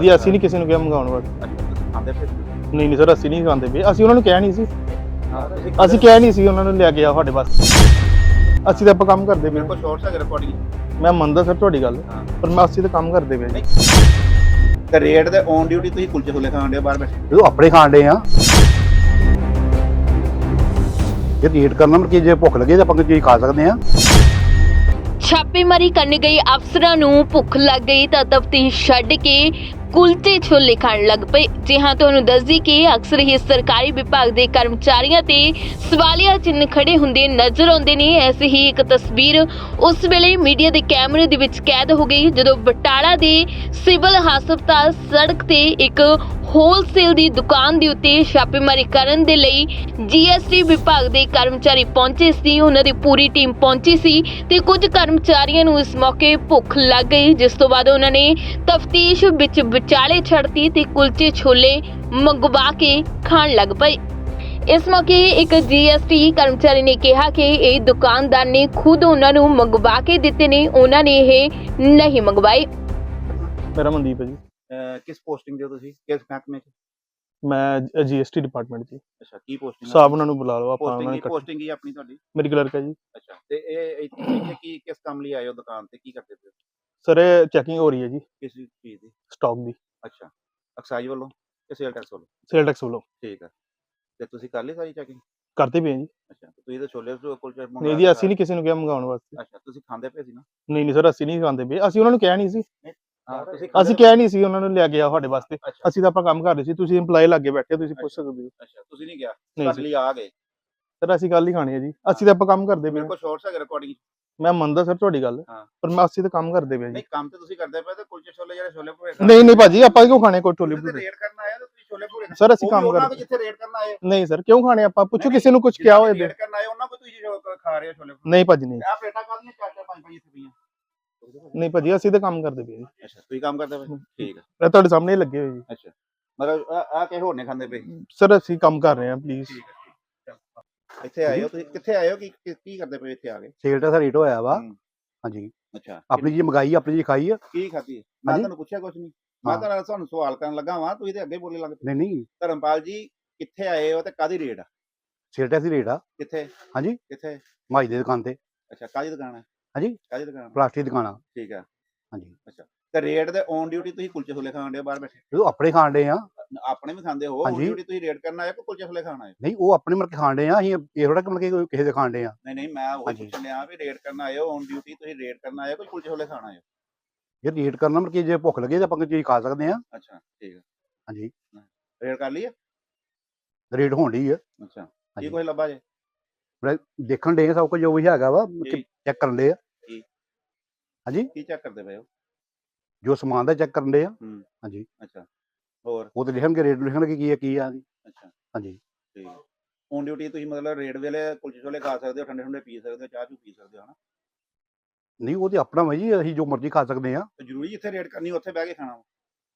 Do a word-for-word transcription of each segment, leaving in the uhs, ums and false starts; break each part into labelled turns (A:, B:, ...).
A: ਜੀ ਅਸੀਂ ਨਹੀਂ ਕਿਸੇ ਨੂੰ ਕਿਹਾ ਮੰਗਾਉਣ ਵਾਸਤੇ।
B: ਅੱਛਾ ਤੁਸੀਂ ਖਾਂਦੇ ਫਿਰ
A: ਨਹੀਂ ਨਹੀਂ ਸਰ ਅਸੀਂ ਨਹੀਂ ਖਾਂਦੇ ਪਏ, ਅਸੀਂ ਉਹਨਾਂ ਨੂੰ ਕਿਹਾ ਨਹੀਂ ਸੀ,
B: ਹਾਂ ਤੁਸੀਂ
A: ਅਸੀਂ ਕਿਹਾ ਨਹੀਂ ਸੀ ਉਹਨਾਂ ਨੂੰ ਲਿਆ ਕੇ ਆ ਸਾਡੇ ਵਾਸਤੇ। ਅਸੀਂ ਤਾਂ ਆਪਾਂ ਕੰਮ ਕਰਦੇ ਪਏ।
B: ਮੇਰੇ ਕੋਲ ਸ਼ਾਰਟਸ ਹੈ ਰਿਕਾਰਡਿੰਗ।
A: ਮੈਂ ਮੰਨਦਾ ਸਰ ਤੁਹਾਡੀ ਗੱਲ,
B: ਹਾਂ
A: ਪਰ ਮੈਂ ਅਸੀਂ ਤਾਂ ਕੰਮ ਕਰਦੇ ਪਏ।
B: ਨਹੀਂ ਤੇ ਰੇਟ ਦੇ ਔਨ ਡਿਊਟੀ ਤੁਸੀਂ ਕੁਲਚੇ ਛੋਲੇ ਖਾਣ ਦੇ ਬਾਹਰ ਬੈਠੇ।
C: ਜਦੋਂ ਆਪਣੇ ਖਾਣ ਦੇ ਆ ਇਹ ਰੇਟ ਕਰਨਾ ਮਤਲਬ ਕਿ ਜੇ ਭੁੱਖ ਲੱਗੇ ਤਾਂ ਆਪਾਂ ਕੋਈ ਚੀਜ਼ ਖਾ ਸਕਦੇ ਆ।
D: ਛਾਪੇਮਾਰੀ ਕਰਨ ਗਏ ਅਫਸਰਾਂ ਨੂੰ ਭੁੱਖ ਲੱਗ ਗਈ ਤਾਂ ਤਫਤੀਸ਼ ਛੱਡ ਕੇ ਕੁਲਚੇ ਛੋਲੇ ਖਾਣ ਲੱਗ ਪਏ। ਜੀ ਹਾਂ, ਤੁਹਾਨੂੰ ਦੱਸਦੀ ਕਿ ਅਕਸਰ ਹੀ ਸਰਕਾਰੀ ਵਿਭਾਗ ਦੇ ਕਰਮਚਾਰੀਆਂ ਤੇ ਸਵਾਲੀਆ ਚਿੰਨ੍ਹ ਖੜੇ ਹੁੰਦੇ ਨਜ਼ਰ ਆਉਂਦੇ ਨੇ। ਐਸੀ ਹੀ ਇੱਕ ਤਸਵੀਰ ਉਸ ਵੇਲੇ ਮੀਡੀਆ ਦੇ ਕੈਮਰੇ ਦੇ ਵਿੱਚ ਕੈਦ ਹੋ ਗਈ ਜਦੋਂ ਬਟਾਲਾ ਦੇ ਸਿਵਲ ਹਸਪਤਾਲ ਸੜਕ ਤੇ ਇੱਕ ਹੋਲਸੇਲ ਦੀ ਦੁਕਾਨ ਦੇ ਉੱਤੇ ਛਾਪੇਮਾਰੀ ਕਰਨ ਦੇ ਲਈ ਜੀਐਸਟੀ ਵਿਭਾਗ ਦੇ ਕਰਮਚਾਰੀ ਪਹੁੰਚੇ ਸੀ। ਉਹਨਾਂ ਦੀ ਪੂਰੀ ਟੀਮ ਪਹੁੰਚੀ ਸੀ ਤੇ ਕੁਝ ਕਰਮਚਾਰੀਆਂ ਨੂੰ ਇਸ ਮੌਕੇ ਭੁੱਖ ਲੱਗ ਗਈ, ਜਿਸ ਤੋਂ ਬਾਅਦ ਉਹਨਾਂ ਨੇ ਤਫਤੀਸ਼ ਵਿੱਚ ਵਿਚਾਲੇ ਛੱਡਤੀ ਤੇ ਕੁਲਚੇ ਛੋਲੇ ਮੰਗਵਾ ਕੇ ਖਾਣ ਲੱਗ ਪਏ। ਇਸ ਮੌਕੇ ਇੱਕ ਜੀਐਸਟੀ ਕਰਮਚਾਰੀ ਨੇ ਕਿਹਾ ਕਿ ਇਹ ਦੁਕਾਨਦਾਰ ਨੇ ਖੁਦ ਉਹਨਾਂ ਨੂੰ ਮੰਗਵਾ ਕੇ ਦਿੱਤੇ ਨੇ, ਉਹਨਾਂ ਨੇ ਇਹ ਨਹੀਂ ਮੰਗਵਾਏ।
A: ਮੇਰਾ ਮਨਦੀਪ ਹੈ ਜੀ,
B: ਕਿਸ ਪੋਸਟਿੰਗ ਦੇ ਹੋ ਤੁਸੀਂ, ਕਿਸ ਮਹਿਕਮੇ ਚ?
A: ਮੈਂ ਜੀਐਸਟੀ ਡਿਪਾਰਟਮੈਂਟ ਜੀ।
B: ਅੱਛਾ ਕੀ ਪੋਸਟਿੰਗ
A: ਸਾਹਿਬ ਉਹਨਾਂ ਨੂੰ ਬੁਲਾ ਲਓ, ਆਪਾਂ ਉਹਨਾਂ
B: ਪੋਸਟਿੰਗ
A: ਨੇ
B: ਕੀ ਪੋਸਟਿੰਗ ਕੀ ਆਪਣੀ ਤੁਹਾਡੀ?
A: ਮੇਰੀ ਕਲਰਕ ਹੈ ਜੀ।
B: ਅੱਛਾ ਤੇ ਇਹ ਇੱਥੇ ਇੱਥੇ ਕੀ ਕਿਸ ਕੰਮ ਲਈ ਆਏ ਹੋ ਦੁਕਾਨ ਤੇ, ਕੀ ਕਰਦੇ ਪਏ ਹੋ?
A: ਸਰ ਇਹ ਚੈਕਿੰਗ ਹੋ ਰਹੀ ਹੈ ਜੀ
B: ਕਿਸ ਚੀਜ਼ ਦੀ?
A: ਸਟਾਕ ਦੀ,
B: ਅੱਛਾ ਐਕਸਾਈਜ਼ ਵੱਲੋਂ ਕਿ ਸੇਲ ਟੈਕਸ ਵੱਲੋਂ?
A: ਸੇਲ ਟੈਕਸ ਵੱਲੋਂ।
B: ਠੀਕ ਹੈ ਤੇ ਤੁਸੀਂ ਕਰ ਲਈ ਸਾਰੀ ਚੈਕਿੰਗ?
A: ਕਰਦੇ ਪਏ ਜੀ।
B: ਅੱਛਾ ਤੇ ਤੁਸੀਂ ਤਾਂ ਛੋਲੇ ਕੁਲਚੇ ਮੰਗਾ
A: ਨਹੀਂ ਜੀ ਅਸੀਂ ਨਹੀਂ ਕਿਸੇ ਨੂੰ ਕਿਹਾ ਮੰਗਾਉਣ ਵਾਸਤੇ।
B: ਅੱਛਾ ਤੁਸੀਂ ਖਾਂਦੇ ਪਏ ਸੀ ਨਾ?
A: ਨਹੀਂ ਨਹੀਂ ਸਰ ਅਸੀਂ ਨਹੀਂ ਖਾਂਦੇ ਪਏ, ਅਸੀਂ ਉਹਨਾਂ ਨੂੰ ਕਿਹਾ ਨਹੀਂ ਸੀ,
B: ਹਾਂ ਤੁਸੀਂ
A: ਅਸੀਂ ਕਿਹਾ ਨਹੀਂ ਸੀ ਉਹਨਾਂ ਨੂੰ ਲਿਆ ਕੇ ਆ ਸਾਡੇ ਵਾਸਤੇ।
B: ਅੱਛਾ
A: ਅਸੀਂ ਤਾਂ ਆਪਾਂ ਕੰਮ ਕਰ ਰਹੇ ਸੀ, ਤੁਸੀਂ EMPLOYE ਲੱਗੇ ਬੈਠੇ, ਤੁਸੀਂ ਪੁੱਛ ਸਕਦੇ ਹੋ।
B: ਅੱਛਾ ਤੁਸੀਂ ਨਹੀਂ ਗਿਆ,
A: ਨਹੀਂ
B: ਤੁਹਾਡੇ ਲਈ ਆ ਗਏ।
A: ਸਰ ਅਸੀਂ ਗੱਲ ਹੀ ਖਾਣੀ ਹੈ ਜੀ, ਅਸੀਂ ਤਾਂ ਆਪਾਂ ਕੰਮ ਕਰਦੇ ਪਏ।
B: ਮੇਰੇ ਕੋਲ ਸ਼ਾਰਟਸ ਹੈ ਰਿਕਾਰਡਿੰਗ।
A: ਮੈਂ ਮੰਨਦਾ ਸਰ ਤੁਹਾਡੀ ਗੱਲ,
B: ਹਾਂ
A: ਪਰ ਮੈਂ ਅਸੀਂ ਤਾਂ ਕੰਮ ਕਰਦੇ ਪਏ ਜੀ।
B: ਨਹੀਂ ਕੰਮ ਤੇ ਤੁਸੀਂ ਕਰਦੇ ਪਏ ਤੇ ਕੁਲਚੇ ਛੋਲੇ ਜਿਹੜੇ ਛੋਲੇ ਭੂਰੇ
A: ਨਹੀਂ ਨਹੀਂ ਭਾਜੀ ਆਪਾਂ ਕਿਉਂ ਖਾਣੇ ਕੋਈ ਟੋਲੀ
B: ਤੁਸੀਂ ਰੇਟ ਕਰਨ ਆਏ ਹੋ, ਤੁਸੀਂ ਛੋਲੇ ਭੂਰੇ
A: ਸਰ ਅਸੀਂ ਕੰਮ ਕਰਦੇ।
B: ਜਿੱਥੇ ਰੇਟ ਕਰਨ ਆਏ
A: ਨਹੀਂ ਸਰ ਕਿਉਂ ਖਾਣੇ ਆਪਾਂ, ਪੁੱਛੋ ਕਿਸੇ ਨੂੰ ਕੁਝ ਕਿਹਾ ਹੋਏ।
B: ਰੇਟ ਕਰਨ ਆਏ ਉਹਨਾਂ ਕੋ ਤੁਸੀਂ ਖਾ ਰਹੇ ਹੋ ਛੋਲੇ ਭੂਰੇ?
A: ਨਹੀਂ ਭਾਜੀ ਨਹੀਂ,
B: ਆ ਪਲੇਟਾਂ ਕਾਹਦੀਆਂ ਚਾਰ ਚਾਰ ਪੰਜ ਪੰਜ ਇੱਥੇ ਪਈਆਂ?
A: ਨਹੀਂ ਭਾਜੀ ਅਸੀਂ ਤਾਂ ਕੰਮ ਕਰਦੇ ਪਏ ਜੀ।
B: ਅੱਛਾ ਤੁਸੀਂ ਕੰਮ ਕਰਦੇ ਪਏ, ਠੀਕ ਹੈ।
A: ਇਹ ਤੁਹਾਡੇ ਸਾਹਮਣੇ ਹੀ ਲੱਗੇ ਹੋਏ ਜੀ।
B: ਅੱਛਾ ਮਤਲਬ ਆ ਕਿਸੇ ਹੋਰ ਨੇ ਖਾਂਦੇ ਪਏ?
A: ਸਰ ਅਸੀਂ ਕੰਮ ਕਰ ਰਹੇ ਹਾਂ, ਪਲੀਜ਼।
B: ਠੀਕ ਹੈ ਇੱਥੇ ਆਏ ਹੋ ਤੁਸੀਂ, ਕਿੱਥੇ ਆਏ ਹੋ, ਕੀ ਕੀ ਕਰਦੇ ਪਏ ਇੱਥੇ ਆ ਕੇ?
C: ਸੇਲ ਦਾ ਰੇਟ ਹੋਇਆ ਵਾ।
B: ਹੂੰ।
C: ਹਾਂਜੀ
B: ਅੱਛਾ
C: ਆਪਣੀ ਜੀ ਮੰਗਾਈ, ਆਪਣੀ ਜੀ ਖਾਈ ਆ।
B: ਕੀ ਖਾਧੀ? ਮੈਂ ਤੁਹਾਨੂੰ ਪੁੱਛਿਆ ਕੁਝ ਨਹੀਂ, ਮੈਂ ਤਾਂ ਤੁਹਾਨੂੰ ਸਵਾਲ ਕਰਨ ਲੱਗਾ ਵਾਂ, ਤੁਸੀਂ ਤੇ ਅੱਗੇ ਬੋਲੇ ਲੱਗ ਪਏ।
C: ਨਹੀਂ ਨਹੀਂ
B: ਧਰਮਪਾਲ ਜੀ ਕਿੱਥੇ ਆਏ ਹੋ ਤੇ ਕਾਦੀ ਰੇਟ ਆ?
C: ਸੇਲ ਦਾ ਰੇਟ ਆ।
B: ਕਿੱਥੇ?
C: ਹਾਂਜੀ
B: ਕਿੱਥੇ?
C: ਮਾਈ ਦੀ ਦੁਕਾਨ ਤੇ।
B: ਅੱਛਾ ਕਾਦੀ ਦੁਕਾਨ ਹੈ?
C: ਹਾਂਜੀ
B: ਕਾਦੀ ਦੁਕਾਨ?
C: ਪਲਾਸਟਿਕ ਦੁਕਾਨ ਆ।
B: ਠੀਕ ਹੈ।
C: ਹਾਂਜੀ
B: ਅੱਛਾ ਤੇ ਰੇਟ ਦੇ ਔਨ ਡਿਊਟੀ ਤੁਸੀਂ ਕੁਲਚੇ ਛੋਲੇ ਖਾਣ ਦੇ ਬਾਹਰ ਬੈਠੇ?
C: ਜਦੋਂ ਆਪਣੇ ਖਾਣ ਦੇ ਆ।
B: ਆਪਣੇ ਵੀ ਖਾਂਦੇ ਹੋ? ਔਨ ਡਿਊਟੀ ਤੁਸੀਂ ਰੇਟ ਕਰਨ ਆਏ ਕਿ ਕੁਲਚੇ ਛੋਲੇ ਖਾਣ ਆਏ?
C: ਨਹੀਂ ਉਹ ਆਪਣੇ ਮਤਲਬ ਕਿ ਖਾਣ ਦੇ ਆ, ਅਸੀਂ ਇਹ ਥੋੜਾ ਕਿ ਮਤਲਬ ਕਿ ਕਿਸੇ ਦੇ ਖਾਣ ਦੇ ਆ।
B: ਨਹੀਂ ਨਹੀਂ ਮੈਂ ਉਹ ਪੁੱਛਣ ਲਿਆ ਵੀ ਰੇਟ ਕਰਨ ਆਏ ਹੋ, ਔਨ ਡਿਊਟੀ ਤੁਸੀਂ ਰੇਟ ਕਰਨ ਆਏ ਹੋ ਕਿ ਕੁਲਚੇ ਛੋਲੇ ਖਾਣ ਆਏ ਹੋ?
C: ਇਹ ਰੇਟ ਕਰਨਾ ਮਤਲਬ ਕਿ ਜੇ ਭੁੱਖ ਲੱਗੇ ਤਾਂ ਆਪਾਂ ਕੋਈ ਚੀਜ਼ ਖਾ ਸਕਦੇ ਆ।
B: ਅੱਛਾ ਠੀਕ ਹੈ।
C: ਹਾਂਜੀ
B: ਰੇਟ ਕਰ ਲਈ ਹੈ?
C: ਰੇਟ ਹੋਣ ਡਈ ਆ।
B: ਅੱਛਾ ਕੀ ਕੁਝ ਲੱਭਾ ਜੇ?
C: ਦੇਖਣ ਦੇ ਸਭ ਕੁਝ ਜੋ ਵੀ ਹੈਗਾ ਵਾ ਚੈੱਕ ਕਰਨ ਦੇ ਆ।
B: ਕੀ?
C: ਹਾਂਜੀ
B: ਕੀ ਚੈੱਕ ਕਰਦੇ ਪਏ ਹੋ?
C: ਜੋ ਸਮਾਨ ਦਾ ਚੈੱਕ ਕਰਨ ਦੇ ਆ।
B: ਹੂੰ
C: ਹਾਂਜੀ
B: ਅੱਛਾ ਹੋਰ? ਉਹ
C: ਤੇ ਲਿਖਣਗੇ, ਰੇਟ ਲਿਖਣਗੇ ਕੀ ਆ ਕੀ ਆ।
B: ਅੱਛਾ
C: ਹਾਂਜੀ
B: ਠੀਕ ਹੈ। ਔਨ ਡਿਊਟੀ ਤੁਸੀਂ ਮਤਲਬ ਰੇਟ ਵੇਲੇ ਕੁਲਚੇ ਛੋਲੇ ਖਾ ਸਕਦੇ ਹੋ, ਠੰਡੇ ਠੰਡੇ ਪੀ ਸਕਦੇ ਹੋ, ਚਾਹ ਚੂ ਪੀ ਸਕਦੇ ਹੋ ਹਨਾ?
C: ਨਹੀਂ ਉਹ ਤੇ ਆਪਣਾ ਵਾ ਜੀ, ਅਸੀਂ ਜੋ ਮਰਜ਼ੀ ਖਾ ਸਕਦੇ ਆ।
B: ਤੇ ਜ਼ਰੂਰੀ ਜਿੱਥੇ ਰੇਟ ਕਰਨੀ ਉੱਥੇ ਬਹਿ ਕੇ ਖਾਣਾ ਵਾ?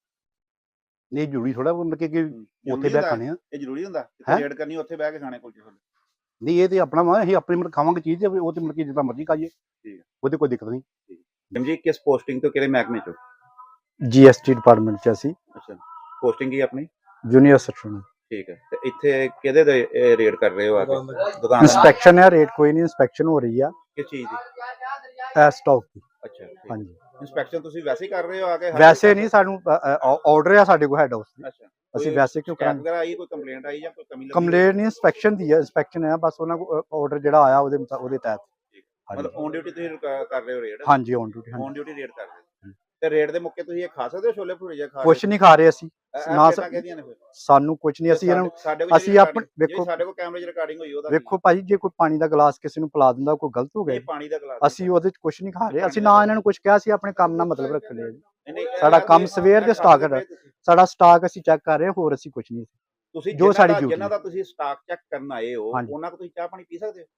C: ਨਹੀਂ ਜ਼ਰੂਰੀ ਥੋੜਾ ਮਤਲਬ ਕਿ ਉੱਥੇ ਬਹਿ ਖਾਣੇ ਆ।
B: ਇਹ ਜ਼ਰੂਰੀ ਹੁੰਦਾ ਜਿੱਥੇ ਰੇਟ ਕਰਨੀ ਉੱਥੇ ਬਹਿ ਕੇ ਖਾਣੇ ਕੁਲਚੇ ਛੋਲੇ?
C: ਨਹੀਂ ਇਹ ਤੇ ਆਪਣਾ ਵਾ, ਅਸੀਂ ਆਪਣੀ ਮਤਲਬ ਖਾਵਾਂਗੇ ਚੀਜ਼ ਤੇ ਉਹ ਤੇ ਮਤਲਬ ਕਿ ਜਿੱਦਾਂ ਮਰਜ਼ੀ ਖਾਈਏ।
B: ਠੀਕ ਹੈ
C: ਉਹਦੇ ਕੋਈ ਦਿੱਕਤ ਨਹੀਂ।
B: ਜੀ ਕਿਸ ਪੋਸਟਿੰਗ ਤੋਂ ਕਿਹੜੇ ਮਹਿਕਮੇ ਚੋਂ?
E: ਜੀਐਸਟੀ ਡਿਪਾਰਟਮੈਂਟ ਚ ਅਸੀਂ।
B: ਅੱਛਾ ਪੋਸਟਿੰਗ ਕੀ ਆਪਣੀ?
E: Junior section.
B: ਠੀਕ ਹੈ ਤੇ ਇੱਥੇ ਕਿਹਦੇ ਦੇ ਰੇਟ ਕਰ ਰਹੇ ਹੋ ਆ ਕੇ? ਦੁਕਾਨ
E: ਇੰਸਪੈਕਸ਼ਨ ਹੈ, ਰੇਟ ਕੋਈ ਨਹੀਂ, ਇੰਸਪੈਕਸ਼ਨ ਹੋ ਰਹੀ ਆ
B: ਕਿਸ ਚੀਜ਼ ਦੀ?
E: ਇਹ ਸਟਾਕ ਦੀ।
B: ਅੱਛਾ
E: ਹਾਂਜੀ
B: ਇੰਸਪੈਕਸ਼ਨ ਤੁਸੀਂ ਵੈਸੇ ਹੀ ਕਰ ਰਹੇ ਹੋ ਆ ਕੇ?
E: ਵੈਸੇ ਨਹੀਂ, ਸਾਨੂੰ ਆਰਡਰ ਆ ਸਾਡੇ ਕੋਲ ਹੈਡ ਹਾਊਸ ਦੀ।
B: ਅੱਛਾ
E: ਅਸੀਂ ਵੈਸੇ ਕਿਉਂ ਕਰਾਂਗੇ?
B: ਵਗੈਰਾ ਆਈ ਕੋਈ ਕੰਪਲੇਂਟ ਆਈ ਜਾਂ ਕੋਈ ਕਮੀ ਲੱਗੀ?
E: ਕੰਪਲੇਂਟ ਨਹੀਂ, ਇੰਸਪੈਕਸ਼ਨ ਦੀ ਹੈ। ਇੰਸਪੈਕਸ਼ਨ ਹੈ ਬਸ, ਉਹਨਾਂ ਕੋਲ ਆਰਡਰ ਜਿਹੜਾ ਆਇਆ ਉਹਦੇ ਉਹਦੇ ਤਹਿਤ।
B: ਮਤਲਬ ਔਨ ਡਿਊਟੀ ਤੁਸੀਂ ਕਰ ਰਹੇ ਹੋ ਰੇਟ?
E: ਹਾਂਜੀ on duty.
B: On duty raid ਕਰ ਰਹੇ ਹੋ ਤੇ ਰੇਟ ਦੇ ਮੁੱਕੇ ਤੁਸੀਂ ਇਹ ਖਾ ਸਕਦੇ ਹੋ ਛੋਲੇ ਭਟੂਰੇ ਜਾਂ ਖਾ?
E: ਕੁਛ ਨਹੀਂ ਖਾ ਰਹੇ ਅਸੀਂ ਨਾ,
B: ਕਿਹਦੀਆਂ ਨੇ ਫਿਰ?
E: ਸਾਨੂੰ ਕੁਛ ਨਹੀਂ, ਅਸੀਂ ਇਹਨਾਂ ਨੂੰ ਅਸੀਂ ਆਪਣੇ ਵੇਖੋ
B: ਸਾਡੇ ਕੋਲ ਕੈਮਰੇ 'ਚ ਰਿਕਾਰਡਿੰਗ ਹੋਈ ਉਹਦਾ
E: ਵੇਖੋ ਭਾਜੀ, ਜੇ ਕੋਈ ਪਾਣੀ ਦਾ ਗਲਾਸ ਕਿਸੇ ਨੂੰ ਪਿਲਾ ਦਿੰਦਾ ਕੋਈ ਗਲਤ ਹੋ ਗਿਆ?
B: ਪਾਣੀ ਦਾ ਗਲਾਸ
E: ਅਸੀਂ ਉਹਦੇ ਚ ਕੁਛ ਨਹੀਂ ਖਾ ਰਹੇ, ਅਸੀਂ ਨਾ ਇਹਨਾਂ ਨੂੰ ਕੁਛ ਕਿਹਾ, ਅਸੀਂ ਆਪਣੇ ਕੰਮ ਨਾਲ ਮਤਲਬ ਰੱਖ ਲਿਆ ਜੀ। ਸਾਡਾ
B: ਸਾਡਾ
E: ਕੰਮ ਸਵੇਰ ਦੇ ਸਟਾਕ ਹੈ, ਸਾਡਾ ਸਟਾਕ ਅਸੀਂ ਚੈੱਕ ਕਰ ਰਹੇ ਹਾਂ, ਹੋਰ ਅਸੀਂ ਕੁਛ ਨਹੀਂ।
B: ਤੁਸੀਂ
E: ਜੋ ਸਾਡੀ ਡਿਊਟੀ
B: ਜਿਨ੍ਹਾਂ ਦਾ ਤੁਸੀਂ ਸਟਾਕ ਚੈੱਕ ਕਰਨ ਆਏ ਹੋ ਉਹਨਾਂ ਕੋਲ ਤੁਸੀਂ ਚਾਹ ਪਾਣੀ ਪੀ ਸਕਦੇ ਹੋ?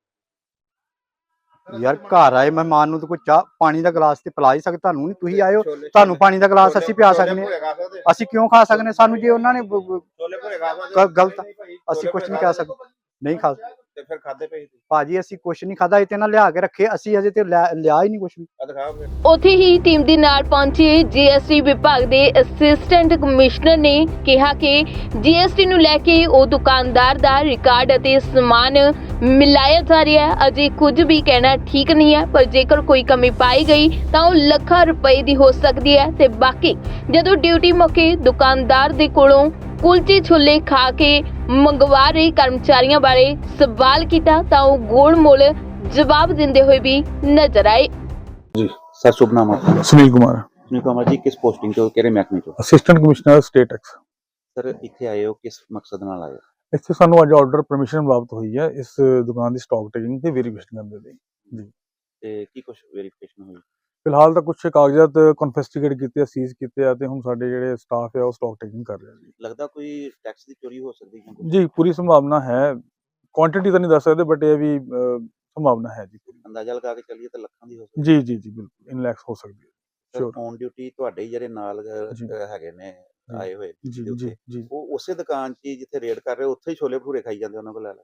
E: ਯਾਰ ਘਰ ਆਏ ਮਹਿਮਾਨ ਨੂੰ ਤਾਂ ਕੋਈ ਚਾਹ ਪਾਣੀ ਦਾ ਗਲਾਸ ਤੇ ਪਿਲਾ ਹੀ ਸਕਦੇ, ਤੁਹਾਨੂੰ ਨਹੀਂ, ਤੁਸੀਂ ਆਇਓ ਤੁਹਾਨੂੰ ਪਾਣੀ ਦਾ ਗਲਾਸ ਅਸੀਂ ਪਿਆ ਸਕਦੇ ਹਾਂ, ਅਸੀਂ ਕਿਉਂ ਖਾ ਸਕਦੇ? ਸਾਨੂੰ ਜੇ ਉਹਨਾਂ ਨੇ
B: ਛੋਲੇ ਭਟੂਰੇ ਖਾ ਸਕਦੇ
E: ਗਲਤ, ਅਸੀਂ ਕੁਛ ਨਹੀਂ ਕਹਿ ਸਕਦੇ, ਨਹੀਂ ਖਾ
B: ਤੇ ਫਿਰ ਖਾਦੇ ਪਏ ਸੀ
E: ਭਾਜੀ ਅਸੀਂ ਕੁਛ ਨਹੀਂ ਖਾਦਾ, ਇਹ ਤੇ ਨਾ ਲਿਆ ਕੇ ਰੱਖੇ, ਅਸੀਂ ਅਜੇ ਤੇ ਲਿਆ ਲਿਆ ਹੀ ਨਹੀਂ ਕੁਛ ਵੀ।
B: ਆ ਦਿਖਾ ਫਿਰ
D: ਉੱਥੇ ਹੀ ਟੀਮ ਦੇ ਨਾਲ ਪਹੁੰਚੇ ਜੀਐਸਟੀ ਵਿਭਾਗ ਦੇ ਅਸਿਸਟੈਂਟ ਕਮਿਸ਼ਨਰ ਨੇ ਕਿਹਾ ਕਿ ਜੀਐਸਟੀ ਨੂੰ ਲੈ ਕੇ ਉਹ ਦੁਕਾਨਦਾਰ ਦਾ ਰਿਕਾਰਡ ਅਤੇ ਸਮਾਨ ਮਿਲਾਇਆ ਜਾ ਰਿਹਾ ਹੈ। ਅਜੇ ਕੁਝ ਵੀ ਕਹਿਣਾ ਠੀਕ ਨਹੀਂ ਹੈ, ਪਰ ਜੇਕਰ ਕੋਈ ਕਮੀ ਪਾਈ ਗਈ ਤਾਂ ਉਹ ਲੱਖਾਂ ਰੁਪਏ ਦੀ ਹੋ ਸਕਦੀ ਹੈ। ਤੇ ਬਾਕੀ ਜਦੋਂ ਡਿਊਟੀ ਮੌਕੇ ਦੁਕਾਨਦਾਰ ਦੇ ਕੋਲੋਂ ਕੁਲਚੇ ਛੋਲੇ ਖਾ ਕੇ ਮੰਗਵਾ ਰਹੇ ਕਰਮਚਾਰੀਆਂ ਬਾਰੇ ਸਵਾਲ ਕੀਤਾ ਤਾਂ ਉਹ ਗੋਲ-ਮੋਲ ਜਵਾਬ ਦਿੰਦੇ ਹੋਏ ਵੀ ਨਜ਼ਰ ਆਏ।
B: ਜੀ ਸਰ ਸ਼ੁਭ ਨਾਮ ਆਪਣਾ?
F: ਸੁਨੀਲ ਕੁਮਾਰ,
B: ਸੁਨੀਲ ਕੁਮਾਰ ਜੀ, ਕਿਸ ਪੋਸਟਿੰਗ ਤੋਂ, ਕਿਹੜੇ ਮਹਿਕਮੇ ਤੋਂ?
F: Assistant commissioner state tax.
B: Sir ਇੱਥੇ ਆਏ ਹੋ ਕਿਸ ਮਕਸਦ ਨਾਲ ਆਏ ਹੋ?
F: ਇੱਥੇ ਸਾਨੂੰ ਅੱਜ ਆਰਡਰ ਪਰਮਿਸ਼ਨ ਪ੍ਰਾਪਤ ਹੋਈ ਹੈ ਇਸ ਦੁਕਾਨ ਦੀ ਸਟਾਕ ਟੇਕਿੰਗ ਤੇ ਵੈਰੀਫਿਕੇਸ਼ਨ ਕਰਨ ਦੇ ਲਈ। ਜੀ
B: ਤੇ ਕੀ ਕੁਝ ਵੈਰੀਫਿਕੇਸ਼ਨ ਹੋਈ?
F: ਫਿਲਹਾਲ ਤਾਂ ਕੁਝ ਕਾਗਜ਼ਾਤ ਕਨਫਿਸਕੇਟ ਕੀਤੇ ਆ, ਸੀਜ਼ ਕੀਤੇ ਆ ਤੇ ਹੁਣ ਸਾਡੇ ਜਿਹੜੇ ਸਟਾਫ ਹੈ ਉਹ ਸਟਾਕ ਟੇਕਿੰਗ ਕਰ ਰਿਹਾ ਜੀ।
B: ਲੱਗਦਾ ਕੋਈ ਟੈਕਸ ਦੀ ਚੋਰੀ ਹੋ ਸਕਦੀ ਹੈ?
F: ਜੀ ਪੂਰੀ ਸੰਭਾਵਨਾ ਹੈ, ਕੁਆਂਟੀਟੀ ਤਾਂ ਨਹੀਂ ਦੱਸ ਸਕਦੇ ਬਟ ਇਹ ਵੀ ਅਹ, ਸੰਭਾਵਨਾ ਹੈ ਜੀ ਪੂਰੀ।
B: ਅੰਦਾਜ਼ਾ ਲਗਾ ਕੇ ਚੱਲੀਏ ਤਾਂ ਲੱਖਾਂ ਦੀ ਹੋ ਸਕਦੀ
F: ਜੀ ਜੀ ਜੀ ਬਿਲਕੁਲ ਇਨ ਲੈਕਸ ਹੋ ਸਕਦੀ ਹੈ।
B: ਹੈ।
F: sure।
B: ਔਨ ਡਿਊਟੀ ਤੁਹਾਡੇ ਹੀ ਜਿਹੜੇ ਨਾਲ ਅਹ,
F: ਜੀ।
B: ਹੈਗੇ ਨੇ ਆਏ ਹੋਏ
F: ਜੀ
B: duty
F: ਜੀ
B: ਉੱਤੇ,
F: ਜੀ
B: ਉਹ ਉਸੇ ਦੁਕਾਨ 'ਚ ਹੀ ਜਿੱਥੇ ਰੇਡ ਕਰ ਰਹੇ ਉੱਥੇ ਹੀ ਛੋਲੇ ਭਟੂਰੇ ਖਾਈ ਜਾਂਦੇ ਉਹਨਾਂ ਕੋਲ ਲੈ ਲੈ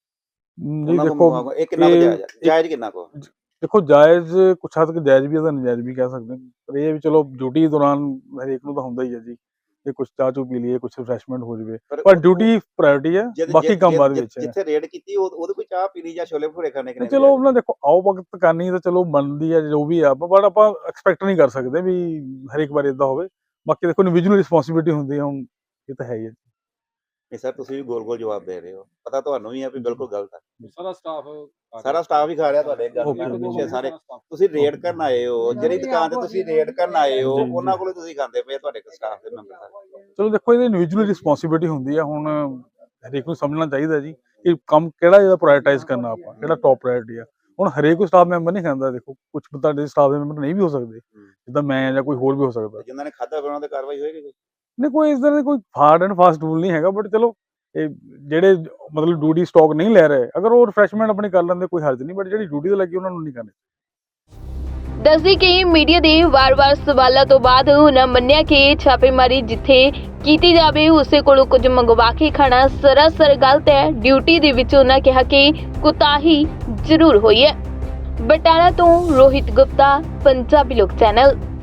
F: ਜੀ
B: ਉਹਨਾਂ
F: ਦੇਖੋ
B: ਕੋਲ ਇਹ ਕਿੰਨਾ ਕੁ
F: ਇਹ-
B: ਜਾਇਜ਼ ਹੈ? ਜਾਇਜ਼ ਕਿੰਨਾ ਕੋ?
F: ਦੇਖੋ ਜਾਇਜ਼ ਕੁਛ ਹੱਦ ਤੱਕ ਜਾਇਜ਼ ਵੀ ਹੈ ਤਾਂ ਨਜਾਇਜ਼ ਵੀ ਕਹਿ ਸਕਦੇ ਹਾਂ, ਪਰ ਇਹ ਵੀ ਚਲੋ ਡਿਊਟੀ ਦੌਰਾਨ ਹਰੇਕ ਨੂੰ ਤਾਂ ਹੁੰਦਾ ਹੀ ਹੈ ਜੀ, ਇਹ ਕੁਛ ਚਾਹ ਚੂ ਪੀ ਲਈਏ, ਕੁਛ ਰਿਫਰੈਸ਼ਮੈਂਟ ਹੋ ਜਾਵੇ, ਪਰ ਡਿਊਟੀ ਪ੍ਰਾਇੋਰਟੀ ਹੈ,
B: ਜਿੱਦ-
F: ਬਾਕੀ
B: ਜਿੱਦ-
F: ਕੰਮ ਬਾਅਦ
B: ਜਿੱਦ-
F: ਵਿੱਚ ਹੈ।
B: ਜਿੱਥੇ ਰੇਡ ਕੀਤੀ ਉਹ- ਉਹਦੇ ਕੋਈ ਚਾਹ ਪੀਣੀ ਜਾਂ ਛੋਲੇ ਭਟੂਰੇ ਖਾਣੇ
F: ਤੇ
B: ਕਿੰਨੇ
F: ਚਲੋ ਉਹਨਾਂ ਦੇਖੋ ਆਓ ਵਕਤ ਕਰਨੀ ਤਾਂ ਚਲੋ ਬਣਦੀ ਹੈ ਜੋ ਵੀ ਆ, ਪਰ ਆਪਾਂ ਐਕਸਪੈਕਟ ਨਹੀਂ ਕਰ ਸਕਦੇ ਵੀ ਹਰੇਕ ਵਾਰ ਇਦਾਂ ਹੋਵੇ। ਬਾਕੀ ਦੇਖੋ ਇੰਡੀਵਿਜੂਅਲ ਰਿਸਪੌਂਸਿਬਿਲਿਟੀ ਹੁੰਦੀ ਹੈ, ਹੁਣ ਇਹ ਤਾਂ ਹੈ ਹੀ ਹੈ।
B: ਨਹੀਂ ਸਰ ਤੁਸੀਂ ਵੀ ਗੋਲ ਗੋਲ ਜਵਾਬ ਦੇ ਰਹੇ ਹੋ, ਪਤਾ ਤੁਹਾਨੂੰ ਵੀ ਹੈ ਵੀ ਬਿਲਕੁਲ ਗਲਤ ਹੈ।
G: ਸਾਰਾ ਸਟਾਫ
B: ਸਾਰਾ ਸਟਾਫ ਹੀ ਖਾ ਰਿਹਾ ਤੁਹਾਡੇ ਗੱਲ
F: Okay,
B: ਨਾਲ
F: okay,
B: ਪਿੱਛੇ ਸਾਰੇ। ਤੁਸੀਂ ਰੇਡ ਕਰਨ ਆਏ ਹੋ, ਜਿਹੜੀ ਦੁਕਾਨ ਤੇ ਤੁਸੀਂ ਰੇਡ ਕਰਨ ਆਏ ਹੋ
F: ਜੀ, ਜੀ।
B: ਉਹਨਾਂ ਕੋਲੋਂ ਤੁਸੀਂ ਖਾਂਦੇ ਪਏ, ਤੁਹਾਡੇ ਸਟਾਫ ਦੇ ਮੈਂਬਰ ਸਾਰੇ।
F: ਚਲੋ ਦੇਖੋ ਇਹਦੀ ਇੰਡੀਵਿਜੂਅਲ ਰਿਸਪੌਂਸਿਬਿਲਿਟੀ ਹੁੰਦੀ ਹੈ, ਹੁਣ ਹਰੇਕ ਨੂੰ ਸਮਝਣਾ ਚਾਹੀਦਾ ਜੀ ਕਿ ਕੰਮ ਕਿਹੜਾ ਜਿਹੜਾ ਪ੍ਰਾਇੋਰਟਾਈਜ਼ ਕਰਨਾ, ਆਪਾਂ ਕਿਹੜਾ ਟੌਪ ਪ੍ਰਾਇੋਰਟੀ ਆ। ਹੁਣ ਹਰੇਕ ਕੋਈ ਸਟਾਫ ਮੈਂਬਰ ਨਹੀਂ ਖਾਂਦਾ, ਦੇਖੋ ਕੁਝ ਤੁਹਾਡੇ ਸਟਾਫ ਦੇ ਮੈਂਬਰ ਨਹੀਂ ਵੀ ਹੋ ਸਕਦੇ, ਜਿੱਦਾਂ ਮੈਂ ਜਾਂ ਕੋਈ ਹੋਰ ਵੀ ਹੋ ਸਕਦਾ।
B: ਜਿਨ੍ਹਾਂ ਨੇ ਖਾਧਾ ਉਹਨਾਂ ਤੇ ਕਾਰਵਾਈ ਹੋਏਗੀ ਕੋਈ?
F: ਨਹੀਂ ਕੋਈ ਇਸ ਤਰ੍ਹਾਂ ਦਾ ਕੋਈ ਹਾਰਡ ਐਂਡ ਫਾਸਟ ਰੂਲ ਨਹੀਂ ਹੈਗਾ, ਬਟ ਚਲੋ ਇਹ ਜਿਹੜੇ ਮਤਲਬ ਡਿਊਟੀ ਸਟਾਕ ਨਹੀਂ ਲੈ ਰਹੇ, ਅਗਰ ਉਹ ਰਿਫਰੈਸ਼ਮੈਂਟ ਆਪਣੀ ਕਰ ਲੈਂਦੇ ਕੋਈ ਹਰਜ ਨਹੀਂ, ਬਟ ਜਿਹੜੀ ਡਿਊਟੀ ਤੇ ਲੱਗੀ ਉਹਨਾਂ ਨੂੰ ਨਹੀਂ ਕਰਨੀ।
D: ਦੱਸਦੀ ਕਿ ਮੀਡੀਆ ਦੇ ਵਾਰ-ਵਾਰ ਸਵਾਲਾਂ ਤੋਂ ਬਾਅਦ ਉਹਨਾਂ ਮੰਨਿਆ ਕਿ ਛਾਪੇਮਾਰੀ ਜਿੱਥੇ ਕੀਤੀ ਜਾਵੇ ਉਸੇ ਕੋਲੋਂ ਕੁਝ ਮੰਗਵਾ ਕੇ ਖਾਣਾ ਸਰਾਸਰ ਗਲਤ ਹੈ। ਡਿਊਟੀ ਦੇ ਵਿੱਚ ਉਹਨਾਂ ਕਿਹਾ ਕਿ ਕੁਤਾਹੀ ਜ਼ਰੂਰ ਹੋਈ ਹੈ। ਬਟਾਲਾ ਤੋਂ ਰੋਹਿਤ ਗੁਪਤਾ, ਪੰਜਾਬੀ ਲੋਕ ਚੈਨਲ।